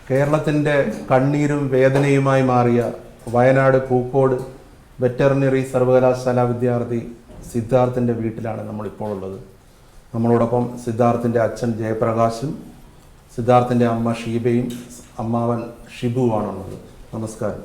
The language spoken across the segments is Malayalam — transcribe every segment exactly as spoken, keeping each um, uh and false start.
കേരളത്തിൻ്റെ കണ്ണീരും വേദനയുമായി മാറിയ വയനാട് പൂക്കോട് വെറ്ററിനറി സർവകലാശാല വിദ്യാർത്ഥി സിദ്ധാർത്ഥിൻ്റെ വീട്ടിലാണ് നമ്മളിപ്പോൾ ഉള്ളത്. നമ്മളോടൊപ്പം സിദ്ധാർത്ഥിൻ്റെ അച്ഛൻ ജയപ്രകാശും സിദ്ധാർത്ഥിൻ്റെ അമ്മ ഷീബയും അമ്മാവൻ ഷിബുവാണുള്ളത്. നമസ്കാരം.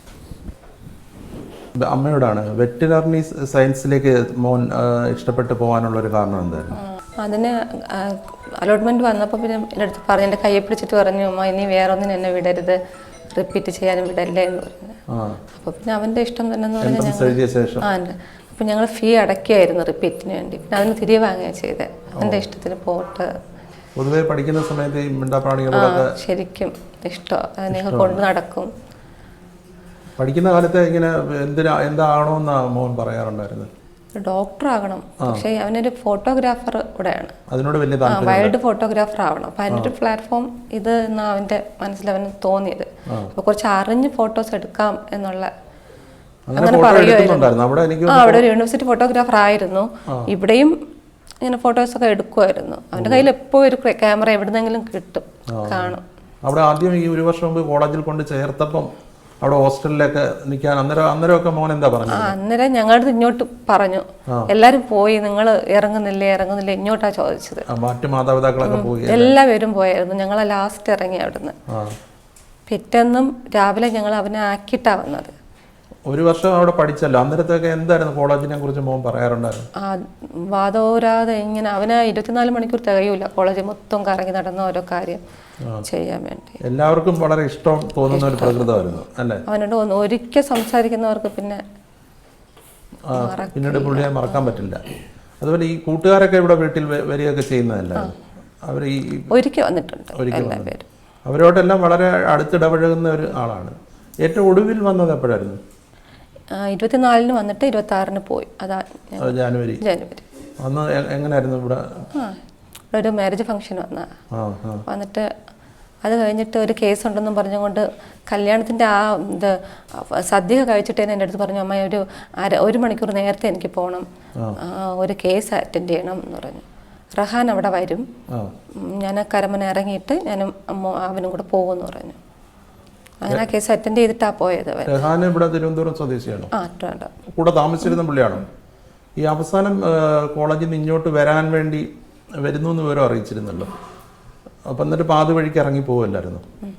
അമ്മയോടാണ് വെറ്ററിനറി സയൻസിലേക്ക് മോൻ ഇഷ്ടപ്പെട്ട് പോകാനുള്ളൊരു കാരണം എന്തായിരുന്നു? അതിന് അലോട്ട്മെൻറ്റ് വന്നപ്പോൾ പിന്നെ എൻ്റെ അടുത്ത് പറഞ്ഞു, എൻ്റെ കയ്യെ പിടിച്ചിട്ട് പറഞ്ഞു, അമ്മ ഇനി വേറെ ഒന്നിനും എന്നെ വിടരുത്, റിപ്പീറ്റ് ചെയ്യാനും വിടല്ലേ എന്ന് പറഞ്ഞു. അപ്പോൾ പിന്നെ അവൻ്റെ ഇഷ്ടം തന്നെ എന്ന് പറഞ്ഞാൽ ഞങ്ങൾ ആ ഉണ്ട്. അപ്പോൾ ഞങ്ങൾ ഫീ അടയ്ക്കുകയായിരുന്നു റിപ്പീറ്റിന് വേണ്ടി. പിന്നെ അതിന് തിരികെ വാങ്ങുകയാണ് ചെയ്തത്. എൻ്റെ ഇഷ്ടത്തിന് പോട്ട്. പൊതുവെ പഠിക്കുന്ന സമയത്ത് ഈ മിണ്ടാപ്രാണികളോടൊക്കെ ശരിക്കും ഇഷ്ടമാണ്. അതിനെ കൊണ്ട് നടക്കും. പഠിക്കുന്ന കാലത്ത് ഇങ്ങനെ എന്തിനാ എന്താകണമെന്നാ മോൻ പറയാറുണ്ടായിരുന്നത്? ഡോക്ടർ ആകണം. പക്ഷേ അവനൊരു ഫോട്ടോഗ്രാഫർ കൂടെയാണ്. അതിനോട് വലിയ വൈൽഡ് ഫോട്ടോഗ്രാഫർ ആവണം. അപ്പം അതിൻ്റെ ഒരു പ്ലാറ്റ്ഫോം ഇത് എന്നാ അവൻ്റെ മനസ്സിൽ അവന് തോന്നിയത്. അപ്പോൾ കുറച്ച് അറിഞ്ഞ് ഫോട്ടോസ് എടുക്കാം എന്നുള്ള അങ്ങനെ പറയുമായിരുന്നു. ആ അവിടെ ഒരു യൂണിവേഴ്സിറ്റി ഫോട്ടോഗ്രാഫർ ആയിരുന്നു. ഇവിടെയും ഇങ്ങനെ ഫോട്ടോസൊക്കെ എടുക്കുമായിരുന്നു. അവൻ്റെ കയ്യിൽ എപ്പോഴും ഒരു ക്യാമറ എവിടുന്നെങ്കിലും കിട്ടും, കാണും. അവിടെ ആദ്യം ഈ ഒരു വർഷം മുമ്പ് കോളേജിൽ കൊണ്ട് ചേർത്തപ്പം അവിടെ ഹോസ്റ്റലിലൊക്കെ നിൽക്കാൻ അന്നേരം അന്നേരമൊക്കെ മോൻ എന്താ പറഞ്ഞു? അന്നേരം ഞങ്ങളുടെ ഇങ്ങോട്ട് പറഞ്ഞു, എല്ലാരും പോയി, നിങ്ങൾ ഇറങ്ങുന്നില്ലേ ഇറങ്ങുന്നില്ലേ ഇങ്ങോട്ടാ ചോദിച്ചത്. മറ്റു മാതാപിതാക്കളൊക്കെ പോയി, എല്ലാവരും പോയായിരുന്നു. ഞങ്ങൾ ലാസ്റ്റ് ഇറങ്ങി അവിടുന്ന്. പിറ്റേന്നും രാവിലെ ഞങ്ങൾ അവനെ ആക്കിയിട്ടാ വന്നത്. ഒരു വർഷം അവിടെ പഠിച്ചല്ലോ, അന്നേരത്തൊക്കെ എന്തായിരുന്നു കോളേജിനെ കുറിച്ച് മോൻ പറയാറുണ്ടായിരുന്നു? ആ വാദോരാതെ ഇങ്ങനെ അവന് ഇരുപത്തിനാല് മണിക്കൂർ തികയൂല കോളേജ് മൊത്തം കറങ്ങി നടന്ന ഓരോ കാര്യം ചെയ്യാൻ വേണ്ടി. എല്ലാവർക്കും വളരെ ഇഷ്ടം തോന്നുന്ന ഒരു പ്രകൃതമായിരുന്നു അല്ലേ? അവനോട് ഒരിക്കൽ സംസാരിക്കുന്നവർക്ക് പിന്നെ പിന്നീട് പുള്ളിയെ മറക്കാൻ പറ്റില്ല. അതുപോലെ ഈ കൂട്ടുകാരൊക്കെ ഇവിടെ വീട്ടിൽ വരികയൊക്കെ ചെയ്യുന്നതല്ല, അവർ ഈ ഒരിക്കൽ വന്നിട്ടുണ്ട്. അവരോടെല്ലാം വളരെ അടുത്തിടപഴകുന്ന ഒരു ആളാണ്. ഏറ്റവും ഒടുവിൽ വന്നത് എപ്പോഴായിരുന്നു? ഇരുപത്തിനാലിന് വന്നിട്ട് ഇരുപത്തി ആറിന് പോയി. അതാ ജാനുവരി ജാനുവരി അന്ന് എങ്ങനെയായിരുന്നു ഇവിടെ? ഒരു മാരേജ് ഫംഗ്ഷൻ വന്ന വന്നിട്ട് അത് കഴിഞ്ഞിട്ട് ഒരു കേസ് ഉണ്ടെന്നും പറഞ്ഞുകൊണ്ട് കല്യാണത്തിൻ്റെ ആ ഇത് സദ്യ കഴിച്ചിട്ട് തന്നെ എൻ്റെ അടുത്ത് പറഞ്ഞു, അമ്മ ഒരു അര ഒരു മണിക്കൂർ നേരത്തെ എനിക്ക് പോകണം, ഒരു കേസ് അറ്റൻഡ് ചെയ്യണം എന്ന് പറഞ്ഞു. റഹാൻ അവിടെ വരും, ഞാൻ കരമന ഇറങ്ങിയിട്ട് ഞാനും അവനും കൂടെ പോകുമെന്ന് പറഞ്ഞു. അങ്ങനെ ആ കേസ് അറ്റൻഡ് ചെയ്തിട്ടാ പോയത്. റഹാൻ ഇവിടെ തിരുവനന്തപുരം സ്വദേശിയാണോ? കൂടെ താമസിച്ചിരുന്ന പുള്ളിയാണോ? ഈ അവസാനം കോളേജിൽ നിന്ന് ഇങ്ങോട്ട് വരാൻ വേണ്ടി വരുന്നു എന്ന് വിവരം അറിയിച്ചിരുന്നല്ലോ. അപ്പം എന്നിട്ട് പാതി വഴിക്ക് ഇറങ്ങി പോവല്ലായിരുന്നു?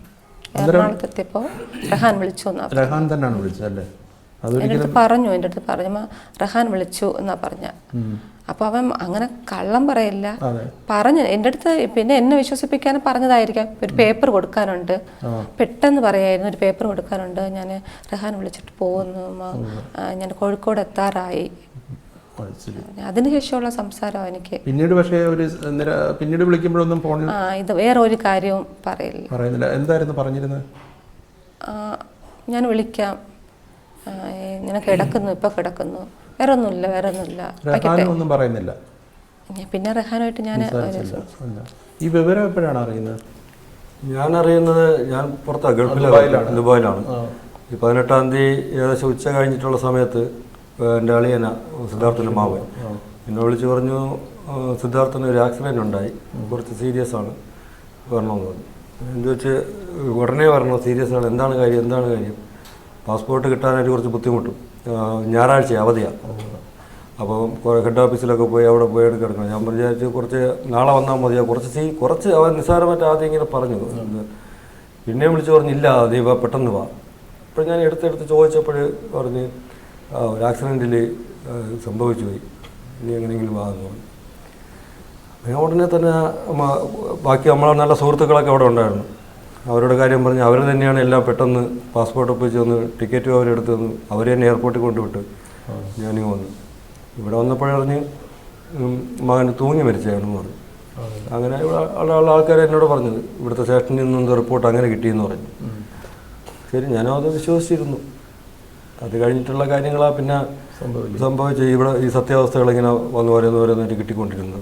റഹാൻ വിളിച്ചു. റഹാൻ തന്നെയാണ് വിളിച്ചത് അല്ലേ? എൻ്റെ അടുത്ത് പറഞ്ഞു എൻ്റെ അടുത്ത് പറഞ്ഞു റഹാൻ വിളിച്ചു എന്നാ പറഞ്ഞ. അപ്പൊ അവൻ അങ്ങനെ കള്ളം പറയില്ല, പറഞ്ഞു എൻ്റെ അടുത്ത്. പിന്നെ എന്നെ വിശ്വസിപ്പിക്കാൻ പറഞ്ഞതായിരിക്കാം. ഒരു പേപ്പർ കൊടുക്കാനുണ്ട്, പെട്ടെന്ന് പറയായിരുന്നു, ഒരു പേപ്പർ കൊടുക്കാനുണ്ട്, ഞാൻ റഹാൻ വിളിച്ചിട്ട് പോകുന്നു, ഞാൻ കോഴിക്കോട് എത്താറായി. അതിനുശേഷമുള്ള സംസാരം എനിക്ക് പിന്നീട് പക്ഷേ ഒരു പിന്നീട് വിളിക്കുമ്പോഴൊന്നും ആ ഇത് വേറെ ഒരു കാര്യവും പറയില്ല പറയുന്നില്ല. എന്തായിരുന്നു പറഞ്ഞിരുന്നത്? ഞാൻ വിളിക്കാം, ഇങ്ങനെ കിടക്കുന്നു, ഇപ്പൊ കിടക്കുന്നു, വേറെ ഒന്നുമില്ല വേറെ ഒന്നുമില്ല ഒന്നും പറയുന്നില്ല. പിന്നെ റഹാനുമായിട്ട് ഞാൻ ഈ വിവരം എപ്പോഴാണ് അറിയുന്നത്? ഞാൻ അറിയുന്നത് ഞാൻ പുറത്താണ്, ഗൾഫിലാണ്, ദുബായിലാണ്. ഈ പതിനെട്ടാം തീയതി ഏകദേശം ഉച്ച കഴിഞ്ഞിട്ടുള്ള സമയത്ത് എൻ്റെ അളിയന സിദ്ധാർത്ഥൻ്റെ മാവൻ എന്നെ വിളിച്ച് പറഞ്ഞു, സിദ്ധാർത്ഥന് ഒരു ആക്സിഡൻറ്റ് ഉണ്ടായി, കുറച്ച് സീരിയസ് ആണ്, വരണമെന്ന് പറഞ്ഞു. എന്ത് വെച്ച് ഉടനെ വരണോ, സീരിയസ് ആണ്, എന്താണ് കാര്യം എന്താണ് കാര്യം? പാസ്പോർട്ട് കിട്ടാനായിട്ട് കുറച്ച് ബുദ്ധിമുട്ടും, ഞായറാഴ്ച അവധിയാണ്. അപ്പോൾ ഹെഡ് ഓഫീസിലൊക്കെ പോയി അവിടെ പോയി എടുക്കണം. ഞാൻ വിചാരിച്ചു കുറച്ച് നാളെ വന്നാൽ മതിയോ, കുറച്ച് സീ കുറച്ച് അവൻ നിസ്സാരമായിട്ട് ആദ്യം ഇങ്ങനെ പറഞ്ഞു. പിന്നെയും വിളിച്ച് പറഞ്ഞില്ല, നീ വാ, പെട്ടെന്ന് വാ. അപ്പോൾ ഞാൻ എടുത്തെടുത്ത് ചോദിച്ചപ്പോൾ പറഞ്ഞ് ഒരു ആക്സിഡൻറ്റിൽ സംഭവിച്ചു പോയി, ഇനി എങ്ങനെയെങ്കിലും വാ എന്ന് പറഞ്ഞു. ഞാൻ ഉടനെ തന്നെ ബാക്കി നമ്മളെ നല്ല സുഹൃത്തുക്കളൊക്കെ അവിടെ ഉണ്ടായിരുന്നു. അവരുടെ കാര്യം പറഞ്ഞ് അവർ തന്നെയാണ് എല്ലാം പെട്ടെന്ന് പാസ്പോർട്ട് ഒപ്പിച്ച് വന്ന് ടിക്കറ്റും അവരെടുത്ത് തന്നു. അവർ തന്നെ എയർപോർട്ടിൽ കൊണ്ടുവിട്ട് ഞാനിങ്ങ് വന്നു. ഇവിടെ വന്നപ്പോഴറിഞ്ഞ് മകൻ തൂങ്ങി മരിച്ചാണെന്ന് പറഞ്ഞു. അങ്ങനെ ഇവിടെ ഉള്ള ആൾക്കാർ എന്നോട് പറഞ്ഞത് ഇവിടുത്തെ സ്റ്റേഷനിൽ നിന്നും റിപ്പോർട്ട് അങ്ങനെ കിട്ടിയെന്ന് പറഞ്ഞു. ശരി, ഞാനും അത് വിശ്വസിച്ചിരുന്നു. അത് കഴിഞ്ഞിട്ടുള്ള കാര്യങ്ങളാണ് പിന്നെ സംഭവിച്ച് ഇവിടെ ഈ സത്യാവസ്ഥകൾ ഇങ്ങനെ വന്നു ഓരോന്ന് ഓരോന്നായിട്ട് കിട്ടിക്കൊണ്ടിരുന്നത്.